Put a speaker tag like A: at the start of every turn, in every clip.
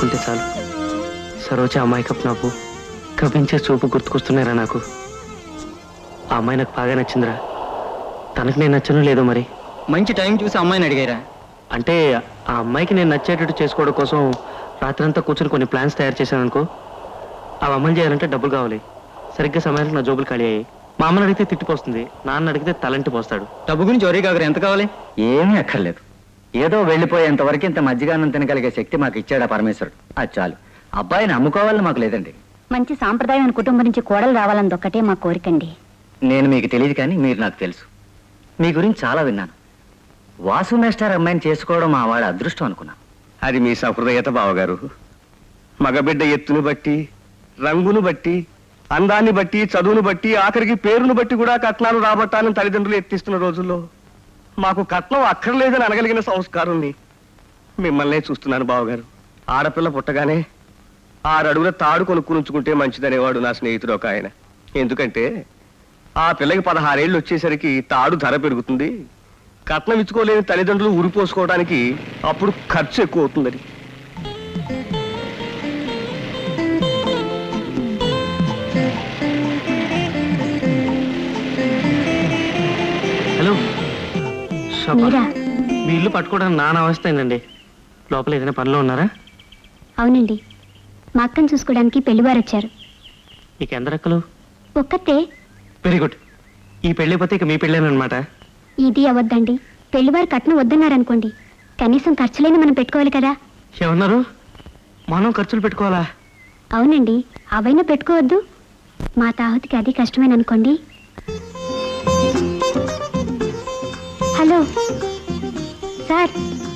A: తలుచుకుంటే చాలు సరోజ అమాయకపు నవ్వు కవ్వించే చూపు గుర్తుకొస్తున్నారా నాకు. ఆ అమ్మాయి నాకు బాగా నచ్చిందిరా. తనకు నేను నచ్చను లేదో మరి.
B: మంచి టైం చూసి అమ్మాయిని అడిగారా?
A: అంటే ఆ అమ్మాయికి నేను నచ్చేటట్టు చేసుకోవడం కోసం రాత్రంతా కూర్చొని కొన్ని ప్లాన్స్ తయారు చేశాను అనుకో. అవి అమలు చేయాలంటే డబ్బులు కావాలి. సరిగ్గా సమయానికి నా జోబులు ఖాళీ అయ్యాయి. మా అమ్మని అడిగితే తిట్టిపోస్తుంది, నాన్న అడిగితే తలంటి పోస్తాడు.
B: డబ్బు గురించి వరీ కాకరు, ఎంత కావాలి?
C: ఏమీ అక్కర్లేదు. ఏదో వెళ్ళిపోయేంత వరకు ఇంత మజ్జిగానం తినగలిగే శక్తి మాకు ఇచ్చాడా పరమేశ్వరుడు. అది చాలు. అబ్బాయిని అమ్ముకోవాలని మాకు లేదండి.
D: మంచి సాంప్రదాయమైన కుటుంబం నుంచి కోడలు రావాలని ఒక్కటే మా కోరికండి.
C: నేను మీకు తెలియదు కానీ మీరు నాకు తెలుసు. మీ గురించి చాలా విన్నాను. వాసు మేస్టార్ అమ్మాయిని చేసుకోవడం మా వాడి అదృష్టం అనుకున్నాను.
E: అది మీ సహృదయత బావగారు. మగబిడ్డ ఎత్తును బట్టి, రంగును బట్టి, అందాన్ని బట్టి, చదువును బట్టి, ఆఖరికి పేరును బట్టి కూడా కట్నాలు రాబట్టాలని తల్లిదండ్రులు ఎత్తిస్తున్న రోజుల్లో మాకు కట్నం అక్కర్లేదని అనగలిగిన సంస్కారాన్ని మిమ్మల్నే చూస్తున్నాను బావగారు. ఆడపిల్ల పుట్టగానే 6 అడుగుల తాడు కొనుక్కుని ఉంచుకుంటే మంచిదనేవాడు నా స్నేహితుడు ఒక ఆయన. ఎందుకంటే ఆ పిల్లకి 16 ఏళ్ళు వచ్చేసరికి తాడు ధర పెరుగుతుంది, కట్నం ఇచ్చుకోలేని తల్లిదండ్రులు ఉరిపోసుకోవడానికి అప్పుడు ఖర్చు ఎక్కువ అవుతుందని.
A: హలో
D: మీరా?
A: మీ ఇల్లు పట్టుకోవడానికి నాన్న అవస్థ అయిందండి. లోపల ఏదైనా పనిలో ఉన్నారా?
D: అవునండి, మా అక్కను చూసుకోవడానికి పెళ్లివారు వచ్చారు.
A: మీకు ఎందరక్కలు?
D: ఒక్కతే.
A: Very good. ఈ పెళ్లి పోతే ఇక మీ పెళ్ళేనమాట.
D: ఇది అవద్దండి. పెళ్లివారు కట్నం వద్దన్నారనుకోండి, కనీసం ఖర్చులైనా మనం పెట్టుకోవాలి కదా.
A: ఏమన్నారు? మనం ఖర్చులు పెట్టుకోవాలా?
D: అవునండి, అవైనా పెట్టుకోవద్దు. మా తాహుతికి అది కష్టమేననుకోండి. Hello sir.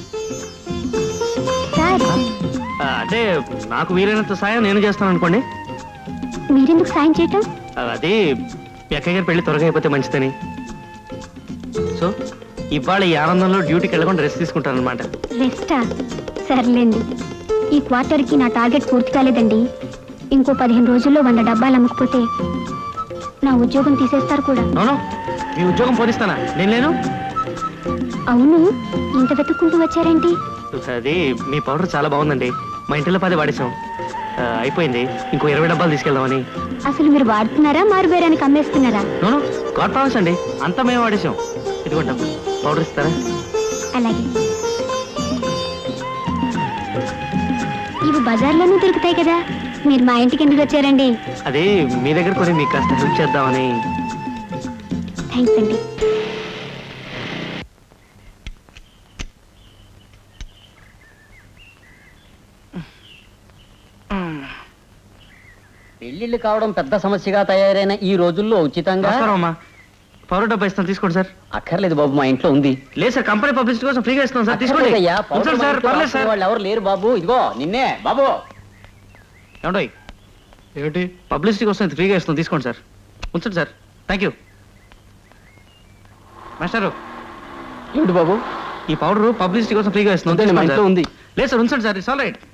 D: సార్,
A: అంటే నాకు వీలైనంత సాయం నేను చేస్తాను అనుకోండి.
D: మీరెందుకు సాయం చేయటం?
A: అది మీ అక్కయ్య గారి పెళ్లి త్వరగా అయిపోతే మంచిదని. సో ఇవాళ ఈ ఆనందంలో డ్యూటీకి వెళ్ళకుండా రెస్ట్ తీసుకుంటాను అనమాట.
D: రెస్టా? సర్లేండి. ఈ క్వార్టర్కి నా టార్గెట్ పూర్తి కాలేదండి. ఇంకో 15 రోజుల్లో 100 డబ్బాలు అమ్మకపోతే నా ఉద్యోగం తీసేస్తారు కూడా.
A: అవును, మీ ఉద్యోగం పోనిస్తానా? నేను లేను.
D: అవును, ఇంత వెతుక్కుంటూ వచ్చారేంటి?
A: అది మీ పౌడర్ చాలా బాగుందండి. మా ఇంటిలో 10 వాడేసాం, అయిపోయింది. ఇంకో 20 డబ్బాలు తీసుకెళ్దామని.
D: అసలు మీరు వాడుతున్నారా, మారుబేరానికి అమ్మేస్తున్నారా?
A: నోను, గాడ్ ప్రామిస్ అండి, అంతా మేము వాడేసాం. ఇదిగో డబ్బు, పౌడర్ ఇస్తారా?
D: అలాగే. ఇవి బజార్లోనూ దొరుకుతాయి కదా, మీరు మా ఇంటికి ఎందుకు వచ్చారండి?
A: అది మీ దగ్గర కొని మీకు కాస్త హెల్ప్ చేద్దామని.
D: థ్యాంక్స్ అండి.
B: పెళ్లిళ్ళు కావడం పెద్ద సమస్యగా తయారైన ఈ రోజుల్లో ఉచితంగా
A: పౌడర్ డబ్బా ఇస్తాను, తీసుకోండి సార్.
B: అక్కర్లేదు బాబు, మా ఇంట్లో ఉంది.
A: లేదు సార్, కంపెనీ పబ్లిసిటీ కోసం ఫ్రీగా ఇస్తాం సార్, తీసుకోండి. ఉంచండి సార్, పర్లేదు సార్.
B: వాళ్ళు ఎవరు లేరు బాబు, ఇదిగో నిన్నే బాబు.
A: ఏమండో ఏమిటి పబ్లిసిటీ కోసం ఫ్రీగా ఇస్తాం, తీసుకోండి సార్. ఉంచండి సార్, థ్యాంక్ యూ. మాస్టారు,
B: ఏమిటి బాబు?
A: ఈ పౌడర్ పబ్లిసిటీ కోసం ఫ్రీగా ఇస్తున్నాం,
B: మా ఇంట్లో ఉంది.
A: లేదు సార్, ఉంచండి సార్, ఇట్స్ ఆల్ రైట్.